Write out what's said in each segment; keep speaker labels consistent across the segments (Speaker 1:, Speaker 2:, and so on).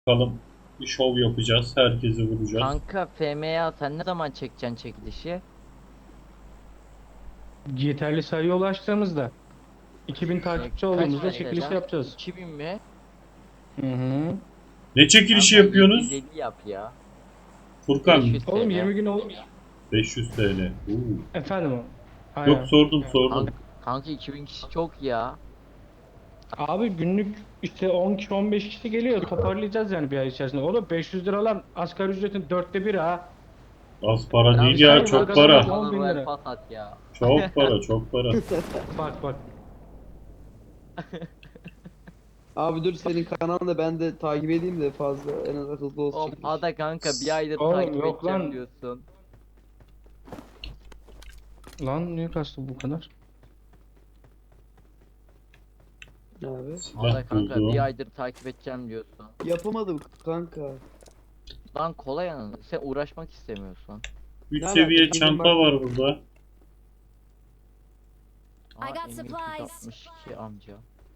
Speaker 1: Bakalım bir şov yapacağız. Herkesi vuracağız.
Speaker 2: Kanka FM'ye sen ne zaman çekeceksin çekilişi?
Speaker 3: Yeterli sayıya ulaştığımızda 2000 takipçi
Speaker 2: Kaç
Speaker 3: olduğumuzda
Speaker 2: mesela?
Speaker 3: çekiliş yapacağız.
Speaker 2: 2000 mi?
Speaker 3: Hı hı.
Speaker 1: Ne çekilişi
Speaker 2: Kanka
Speaker 1: yapıyorsunuz?
Speaker 2: 750 yap ya.
Speaker 1: Furkan
Speaker 2: 500
Speaker 3: Oğlum
Speaker 2: TL.
Speaker 3: 20 gün oldu.
Speaker 1: 500 TL.
Speaker 3: Efendim o.
Speaker 1: Yok
Speaker 3: Aynen.
Speaker 1: sordum.
Speaker 2: Kanka 2000 kişi çok ya.
Speaker 3: Abi günlük işte 10 kişi 15 kişi geliyor. Toparlayacağız yani bir ay içerisinde. Oğlum 500 lira lan asgari ücretin 1/4 ha.
Speaker 1: Az para
Speaker 2: Ya
Speaker 1: değil
Speaker 3: sen
Speaker 1: ya, çok
Speaker 3: magazin
Speaker 1: para.
Speaker 3: al. 10.000
Speaker 2: Royal
Speaker 3: lira.
Speaker 2: Pass at ya.
Speaker 1: Çok para, çok para.
Speaker 3: Bak bak.
Speaker 4: Abi dur senin kanalını ben de takip edeyim de fazla en az hızlı olsun.
Speaker 2: Oğlum ada kanka bir aydır
Speaker 3: Oğlum,
Speaker 2: takip
Speaker 3: yok
Speaker 2: edeceğim
Speaker 3: lan.
Speaker 2: diyorsun.
Speaker 3: Lan niye kastı bu kadar?
Speaker 4: Abi.
Speaker 2: Ada
Speaker 1: Silah
Speaker 2: kanka
Speaker 1: buldum.
Speaker 2: bir aydır takip edeceğim diyorsun.
Speaker 4: Yapamadım kanka.
Speaker 2: Lan kolay anladın. Sen uğraşmak istemiyorsun.
Speaker 1: 3
Speaker 4: Ne
Speaker 1: seviye
Speaker 4: alaka?
Speaker 1: çanta
Speaker 4: Bizim
Speaker 1: var burada.
Speaker 2: Aa,
Speaker 5: I got supplies.
Speaker 2: M762 amca.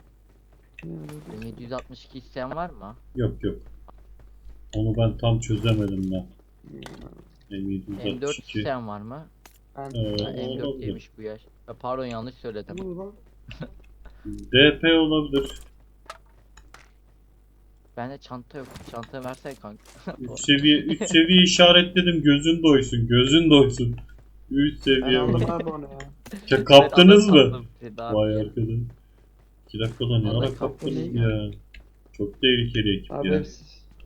Speaker 2: M762 isteyen var mı?
Speaker 1: Yok yok. Onu ben tam çözemedim ben.
Speaker 2: M4
Speaker 1: M762.
Speaker 2: isteyen var mı?
Speaker 4: Ben...
Speaker 2: Ha,
Speaker 1: Olabilir.
Speaker 2: M4'leymiş bu yaş. Pardon yanlış söyledim.
Speaker 4: Ne bu lan?
Speaker 1: DP olabilir.
Speaker 2: Bende çanta yok. Çanta versen kanka.
Speaker 1: 3 seviye işaretledim. Gözün doysun. Gözün doysun. 3
Speaker 4: Ben
Speaker 1: seviye
Speaker 4: aldım
Speaker 1: var.
Speaker 4: abi onu ya.
Speaker 1: Ya kaptınız
Speaker 2: Evet,
Speaker 1: mı?
Speaker 2: aldım Feda
Speaker 1: Vay
Speaker 2: abi.
Speaker 1: arkadaş. 2 dakikada ne
Speaker 2: Vallahi
Speaker 1: ara kaptınız
Speaker 4: kaptım
Speaker 1: ya. Çok tehlikeli ekip
Speaker 4: Abi
Speaker 1: ya.
Speaker 4: hepsi...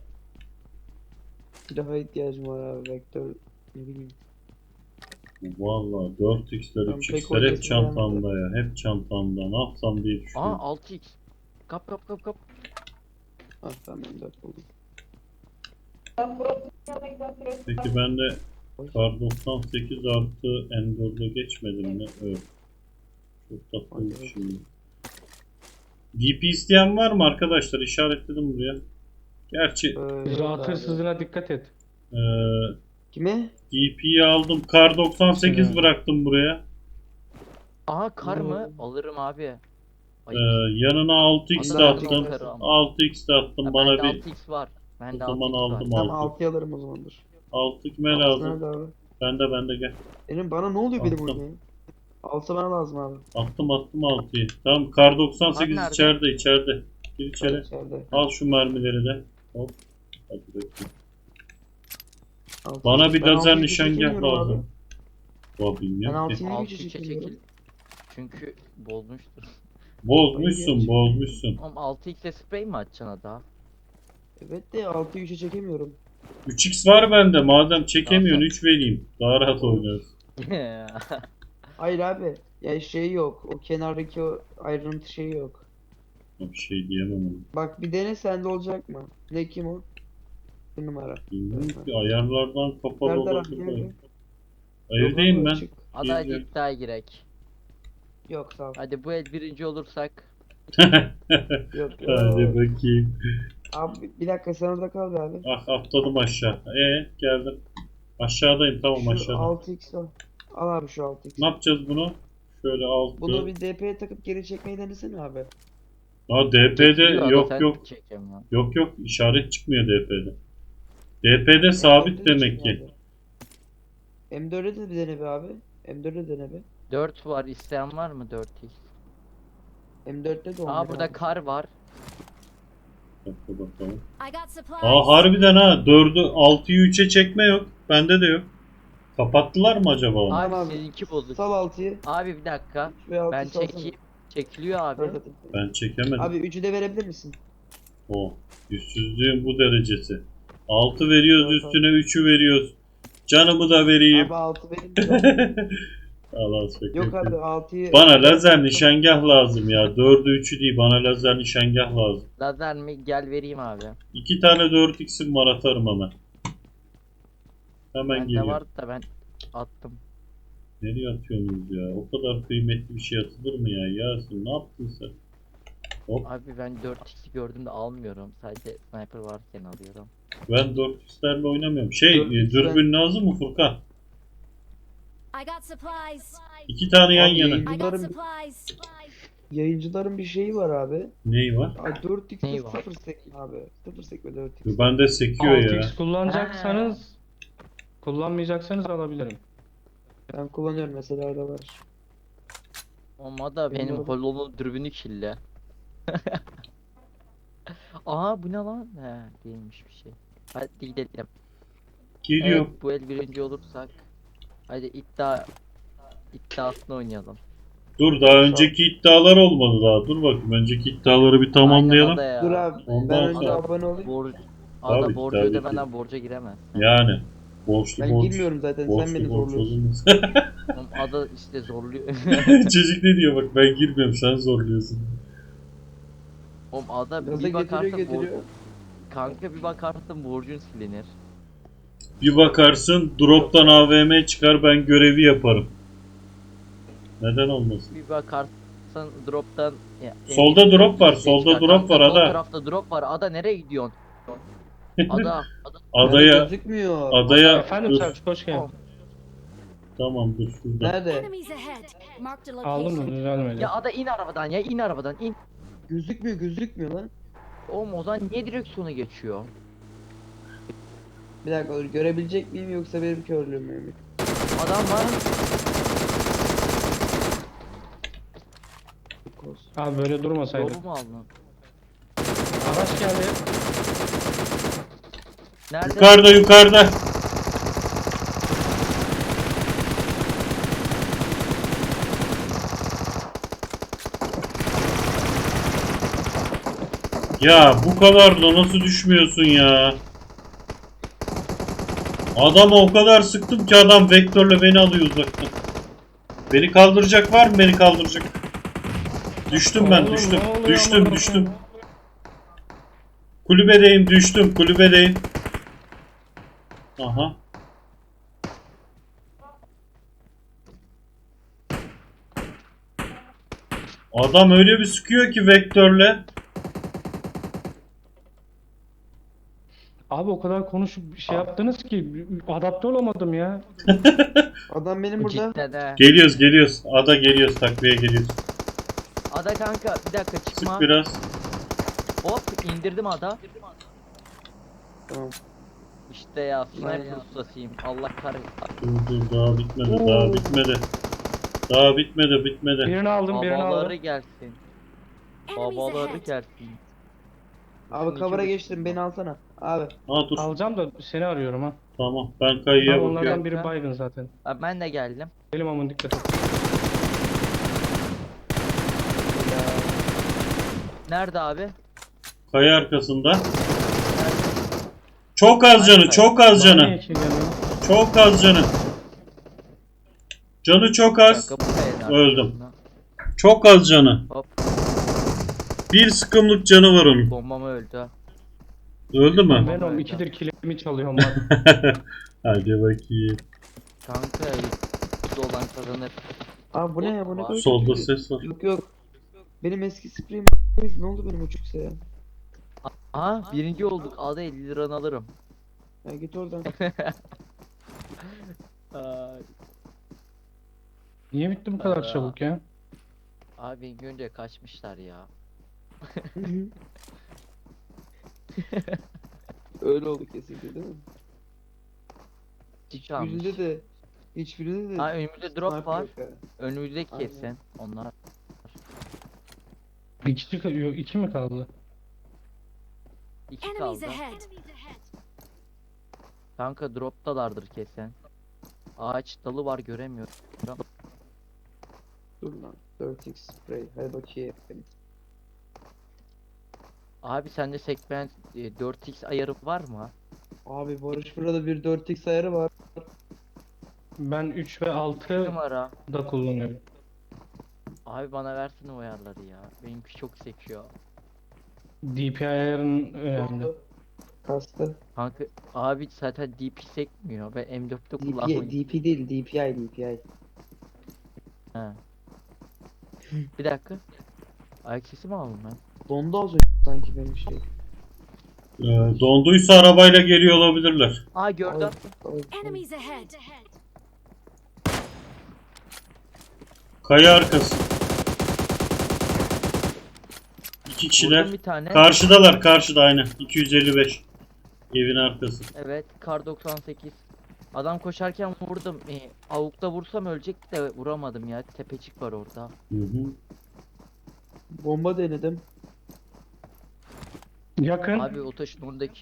Speaker 4: Silaha ihtiyacım var abi vektör ne bileyim.
Speaker 1: Valla 4x'ler
Speaker 4: Ben pek
Speaker 1: 3x'ler hep
Speaker 4: oynayasım
Speaker 1: çantamda ya. Hep çantamda. Ne yapsam diye
Speaker 2: Aa
Speaker 1: düşünüyorum.
Speaker 2: 6x. Kap kap kap kap.
Speaker 4: Ah tamam ben de buldum.
Speaker 1: Peki ben de Kar 98 artı N4'e geçmedim mi? Evet. Çok tatlı oldu
Speaker 4: Evet.
Speaker 1: şimdi. DP isteyen var mı arkadaşlar? İşaretledim buraya. Gerçi
Speaker 3: Rahat
Speaker 4: abi.
Speaker 3: hırsızına dikkat et.
Speaker 4: Kime?
Speaker 1: DP'yi aldım. Kar 98
Speaker 3: Hı.
Speaker 1: bıraktım buraya.
Speaker 2: Aha kar mı?
Speaker 4: Hmm.
Speaker 2: Alırım abi. Ay,
Speaker 1: Yanına 6x de
Speaker 4: Anladım.
Speaker 1: attım.
Speaker 2: karı ama.
Speaker 1: 6x de attım.
Speaker 2: Ha,
Speaker 1: Bana
Speaker 2: bende
Speaker 1: bir
Speaker 2: 6x var.
Speaker 1: o
Speaker 2: Bende
Speaker 1: zaman
Speaker 2: 6x var.
Speaker 1: aldım
Speaker 4: Tamam
Speaker 1: 6.
Speaker 4: 6'yı alırım o zamandır.
Speaker 1: 6 kime
Speaker 4: Altı
Speaker 1: lazım?
Speaker 4: nerede abi?
Speaker 1: Bende gel.
Speaker 4: Benim bana ne oluyor benim
Speaker 1: Attım.
Speaker 4: burada ya? 6 bana lazım abi.
Speaker 1: Attım 6'yı. Tamam Kar 98
Speaker 2: Kar nerede?
Speaker 1: içeride. Gir içeri.
Speaker 4: İçeride.
Speaker 1: Al şu mermileri de. Hop. Hadi bakayım.
Speaker 4: Altı.
Speaker 1: Bana bir
Speaker 4: Ben
Speaker 1: lazer
Speaker 4: altıyı
Speaker 1: nişangah
Speaker 4: çekemiyorum abi.
Speaker 1: lazım. Vah
Speaker 4: Ben
Speaker 1: bilmiyorum ki.
Speaker 4: 6'yı niye
Speaker 2: 6
Speaker 4: gücü
Speaker 2: 3'e
Speaker 4: çekemiyorum?
Speaker 2: çekil. Çünkü bozmuştur.
Speaker 1: Bozmuşsun, bozmuşsun.
Speaker 2: Oğlum 6x'e sprey mi atacaksın ada?
Speaker 4: Evet de 6'yı 3'e çekemiyorum.
Speaker 1: 3x var bende. Madem çekemiyorsun
Speaker 2: Tamam.
Speaker 1: 3 vereyim. Daha rahat oynarız.
Speaker 4: Hayır abi. Ya şey yok. O kenardaki o ayrıntı şeyi yok.
Speaker 1: Bir şey diyemem ona.
Speaker 4: Bak bir dene sende olacak mı? Ne kim o? Bir numara.
Speaker 1: Bilmiyorum ki ayarlardan kapalı
Speaker 4: Serdar abi
Speaker 1: olabilir.
Speaker 4: gel gel.
Speaker 1: Evdeyim
Speaker 4: Yok abi,
Speaker 1: ben.
Speaker 4: açık.
Speaker 2: Ada
Speaker 1: Geziyorum.
Speaker 2: iddiaya girek.
Speaker 4: Yok sağ ol.
Speaker 2: Hadi bu el birinci olursak.
Speaker 4: Yok
Speaker 1: Hadi
Speaker 4: yok.
Speaker 1: bakayım.
Speaker 4: Abi bir dakika sen orada kal be abi.
Speaker 1: Ah atladım aşağı. Geldim. Aşağıdayım tamam
Speaker 4: Şu
Speaker 1: aşağıda.
Speaker 4: 6x al. Al abi şu 6x.
Speaker 1: Ne yapacağız bunu? Şöyle 6.
Speaker 4: Bunu bir DP'ye takıp geri çekmeyi denesene abi.
Speaker 1: Ha DP'de
Speaker 2: Çekiliyor ada,
Speaker 1: yok
Speaker 2: sen
Speaker 1: yok.
Speaker 2: çekemiyorsun.
Speaker 1: Yok işaret çıkmıyor DP'de. DP'de sabit
Speaker 4: M4'e de
Speaker 1: demek
Speaker 4: çıkmıyor
Speaker 1: ki.
Speaker 4: abi. M4'e de bir dene be abi. M4'e dene be.
Speaker 2: 4 var isteyen var mı 4x?
Speaker 4: M4'te de 11
Speaker 2: Aa burada
Speaker 4: abi.
Speaker 2: kar var.
Speaker 1: Bakın bakalım.
Speaker 5: I got supplies.
Speaker 1: Aa harbiden ha 4'ü 6'yı 3'e çekme yok. Bende de yok. Kapattılar mı acaba onu?
Speaker 2: Abi
Speaker 4: Tamam.
Speaker 2: seninki bozuk.
Speaker 4: Sal 6'yı.
Speaker 2: Abi bir dakika.
Speaker 4: Ve 6'yı
Speaker 2: Ben
Speaker 4: salsana.
Speaker 2: çekeyim. Çekiliyor abi.
Speaker 4: Dört atayım.
Speaker 1: Ben çekemedim.
Speaker 4: Abi 3'ü de verebilir misin?
Speaker 1: O yüzsüzlüğün bu derecesi. 6 veriyoruz
Speaker 4: Evet,
Speaker 1: üstüne 3'ü veriyoruz. Canımı da vereyim.
Speaker 4: Abi 6 verin de.
Speaker 1: Allah şaka
Speaker 4: Yok
Speaker 1: yapıyorum.
Speaker 4: abi 6'yı.
Speaker 1: Bana lazer nişangah lazım ya. 4'ü 3'ü değil bana lazer nişangah lazım.
Speaker 2: Lazer mi? Gel vereyim abi.
Speaker 1: 2 tane 4x'im var atarım hemen. Hemen
Speaker 2: Bende
Speaker 1: geliyor.
Speaker 2: var da ben attım.
Speaker 1: Nereye atıyorsunuz ya? O kadar kıymetli bir şey atılır mı ya? Yasin ne yaptın sen?
Speaker 2: Abi ben 4x'i gördüm de almıyorum. Sadece sniper varken alıyorum.
Speaker 1: Ben 4x'lerle oynamıyorum.
Speaker 4: 4x
Speaker 1: Dürbün lazım mı Furkan?
Speaker 5: I got supplies.
Speaker 1: 2 tane yan
Speaker 4: Abi
Speaker 1: yana.
Speaker 5: I got
Speaker 4: yayıncıların,
Speaker 5: supplies.
Speaker 4: yayıncıların bir şeyi var abi.
Speaker 1: Neyi var?
Speaker 4: Ay 4x'te
Speaker 2: Neyi var?
Speaker 4: 0 sekme abi. 0 sekme 4x.
Speaker 1: Bende sekiyor ya.
Speaker 3: 6x kullanacaksanız kullanmayacaksanız alabilirim.
Speaker 4: Ben kullanıyorum mesela orada var.
Speaker 2: Ama da benim
Speaker 4: Bilmiyorum.
Speaker 2: hololun dürbünü kirli. Aa bu ne lan? He değilmiş bir şey. Hadi gidelim.
Speaker 1: Geliyor.
Speaker 2: Evet bu el birinci olursak. Hadi iddiasını oynayalım.
Speaker 1: Dur daha önceki iddialar olmadı daha. Dur bakayım. Önceki iddiaları bir tamamlayalım.
Speaker 2: Aynen ada ya.
Speaker 4: Dur abi
Speaker 1: Ondan
Speaker 4: ben önce
Speaker 1: sonra-
Speaker 4: abone olayım.
Speaker 2: Ada borcu
Speaker 1: tabii ki.
Speaker 2: ödemeden borca giremez.
Speaker 1: Yani. Borçlu
Speaker 4: Ben
Speaker 1: borç.
Speaker 4: girmiyorum zaten
Speaker 1: Borçlu
Speaker 4: sen beni
Speaker 1: borç
Speaker 4: zorluyorsun.
Speaker 1: olunmaz.
Speaker 2: Oğlum ada işte zorluyor.
Speaker 1: Çocuk ne diyor bak ben girmiyorum sen zorluyorsun.
Speaker 2: Oğlum ada
Speaker 4: Gaza
Speaker 2: bir bakarsın
Speaker 4: getiriyor.
Speaker 2: kanka bir bakarsın borcun silinir.
Speaker 1: Bir bakarsın drop'tan AVM çıkar ben görevi yaparım. Neden olmasın?
Speaker 2: Bir bakarsın drop'tan
Speaker 1: Solda drop var,
Speaker 2: şey
Speaker 1: solda
Speaker 2: çıkar.
Speaker 1: drop
Speaker 2: Kanka,
Speaker 1: var,
Speaker 2: sol
Speaker 1: ada.
Speaker 2: tarafta drop var. Ada nereye gidiyorsun? Ada
Speaker 1: Adaya
Speaker 4: Gözükmüyor.
Speaker 1: adaya
Speaker 3: Efendim
Speaker 1: dur.
Speaker 3: Selçuk hoş geldin.
Speaker 1: Tamam dur şurada.
Speaker 4: Nerede?
Speaker 5: Enemies ahead. Marked a
Speaker 3: Aldın mı?
Speaker 5: location.
Speaker 3: Düzelmedi.
Speaker 2: ya ada in arabadan ya in arabadan in.
Speaker 4: Gözükmüyor lan.
Speaker 2: Oğlum o zaman niye direksiyonu geçiyor?
Speaker 4: Bir dakika dur görebilecek miyim yoksa benim körlüğüm mü?
Speaker 2: Adam var.
Speaker 3: Abi böyle durmasaydı.
Speaker 2: Yolu mu aldın?
Speaker 3: Araç geldi.
Speaker 2: Nerede?
Speaker 1: Yukarıda yukarıda. Ya bu kadar da nasıl düşmüyorsun ya? Adama o kadar sıktım ki adam vektörle beni alıyor uzaktan. Beni kaldıracak var mı beni kaldıracak? Düştüm ben
Speaker 3: Oğlum,
Speaker 1: düştüm.
Speaker 3: ne oluyor
Speaker 1: Düştüm
Speaker 3: amına
Speaker 1: düştüm.
Speaker 3: koyayım?
Speaker 1: Kulübedeyim düştüm kulübedeyim. Aha. Adam öyle bir sıkıyor ki vektörle.
Speaker 3: Abi o kadar konuşup şey yaptınız ki adapte olamadım ya.
Speaker 4: Adam benim burada.
Speaker 2: Cidden he.
Speaker 1: Geliyoruz geliyoruz. Ada geliyoruz takviye geliyoruz.
Speaker 2: Ada kanka bir dakika çıkma.
Speaker 1: Sık biraz.
Speaker 2: Hop indirdim ada.
Speaker 4: Tamam.
Speaker 2: İşte ya sniper ustasıyım. Allah kahretsin.
Speaker 1: Dur daha bitmedi daha bitmedi. Daha bitmedi.
Speaker 3: Birini aldım birini
Speaker 2: Babaları
Speaker 3: aldım.
Speaker 2: gelsin.
Speaker 5: Enemies
Speaker 2: Babaları
Speaker 5: ahead.
Speaker 2: gelsin.
Speaker 4: Abi cover'a geçtim beni alsana. Abi.
Speaker 1: Ha dur
Speaker 3: Alacağım da seni arıyorum ha.
Speaker 1: tamam ben kayıya
Speaker 3: Tamam,
Speaker 1: bakıyorum.
Speaker 3: onlardan biri baygın zaten.
Speaker 2: Abi ben de geldim.
Speaker 3: Benim aman dikkat et.
Speaker 2: Nerede abi?
Speaker 1: Kaya arkasında. Çok az canı çok az
Speaker 3: Bana niye
Speaker 1: canı.
Speaker 3: iki gelmiyor?
Speaker 1: Çok az canı. Canı çok az.
Speaker 2: Kanka, bu kayada.
Speaker 1: Öldüm. Çok az canı.
Speaker 2: Hop
Speaker 1: Bir sıkımlık canı var onun.
Speaker 2: bombam öldü.
Speaker 1: Öldü mü?
Speaker 3: Ben o ikidir kilimi çalıyorum bak.
Speaker 1: Hadi bakayım.
Speaker 2: Kanka dolan kazanır.
Speaker 4: Abi bu ne ya bu ne kadar
Speaker 1: Solda
Speaker 4: kötü.
Speaker 1: ses var.
Speaker 4: Yok. Benim eski spreyim ne oldu benim uçuksa ya?
Speaker 2: Aa birinci olduk. Ada 50 liranı alırım.
Speaker 4: Ya git oradan.
Speaker 2: Ay.
Speaker 3: Niye bitti bu kadar
Speaker 2: Aa.
Speaker 3: çabuk ya?
Speaker 2: Abi önce kaçmışlar ya.
Speaker 4: Öyle oldu kesinlikle değil mi?
Speaker 2: Hiç almış.
Speaker 4: Hiçbirinde de
Speaker 2: Aa önümüzde drop
Speaker 4: sniper
Speaker 2: var.
Speaker 4: yok ha.
Speaker 2: Önümüzde
Speaker 4: Aynen.
Speaker 2: kesin. Onlar.
Speaker 3: Bir kişi yok, iki mi kaldı?
Speaker 2: 2
Speaker 5: Enemies
Speaker 2: kaldı.
Speaker 5: ahead.
Speaker 2: Kanka droptalardır kesin. Ağaç dalı var göremiyorum.
Speaker 4: Dur lan. 4x spray. Hadi bakayım.
Speaker 2: Abi sende segment 4x ayarı var mı?
Speaker 4: Abi Barış burada bir 4x ayarı var.
Speaker 3: Ben 3 ve 6
Speaker 2: Numara.
Speaker 3: da kullanıyorum.
Speaker 2: Abi bana versene o ayarları ya. Benimki çok sekiyor.
Speaker 3: DPI ayarın önemli.
Speaker 4: Kastı.
Speaker 2: Kanka abi zaten DP sekmiyor. Ben M4'te
Speaker 4: DPI,
Speaker 2: kullanmayı.
Speaker 4: DP değil DPI.
Speaker 2: He. Bir dakika. Ayak sesi mi aldım ben?
Speaker 4: Dondu az önce sanki benim şey.
Speaker 1: Donduysa arabayla geliyor olabilirler.
Speaker 2: Aa gördüm.
Speaker 5: Enemies ahead.
Speaker 1: Kaya arkası. İki kişiler.
Speaker 2: Vurdum bir tane.
Speaker 1: Karşıdalar, karşıda aynen. 255. Evin arkası.
Speaker 2: Evet, kar 98. Adam koşarken vurdum. Avukta vursam ölecek de vuramadım ya. Tepecik var orada.
Speaker 1: Hı hı.
Speaker 4: Bomba denedim.
Speaker 3: Yakın.
Speaker 2: Abi o taşın oradaki.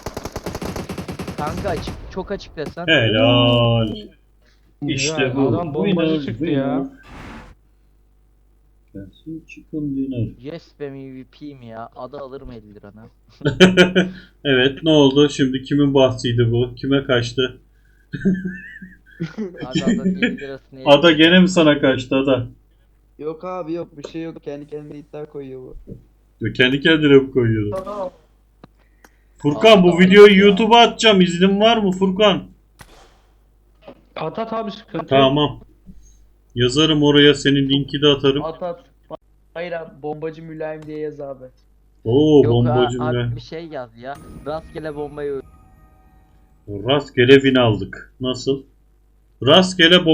Speaker 2: Kanka açık, çok açık desen.
Speaker 1: Helal. İşte
Speaker 3: Güzel,
Speaker 1: bu.
Speaker 3: adam bombacı
Speaker 1: Winner,
Speaker 3: çıktı ya.
Speaker 1: Gelsin chicken dinner.
Speaker 2: Yes be MVP'yim ya. Adı alırım 50 lirana.
Speaker 1: Evet, ne oldu? Şimdi kimin bahsiydi bu? Kime kaçtı?
Speaker 2: Abi adanın 50 lirasını
Speaker 1: Ada gene mi sana kaçtı Ada?
Speaker 4: Yok abi yok, bir şey yok. Kendi kendine iddia koyuyor bu.
Speaker 1: Ya kendi kendine mi koyuyordu? Furkan bu
Speaker 2: Aa,
Speaker 1: videoyu
Speaker 2: ya.
Speaker 1: YouTube'a atacağım. İznin var mı Furkan?
Speaker 3: At abi, sıkıntı yok.
Speaker 1: Tamam. Yazarım oraya, senin linki de atarım.
Speaker 4: At at. Hayır abi, bombacı mülayim diye yaz abi.
Speaker 1: Oo,
Speaker 2: Yok
Speaker 1: bombacı
Speaker 2: abi
Speaker 1: bile.
Speaker 2: bir şey yaz ya. Rastgele bombayı
Speaker 1: Rastgele win aldık. Nasıl? Rastgele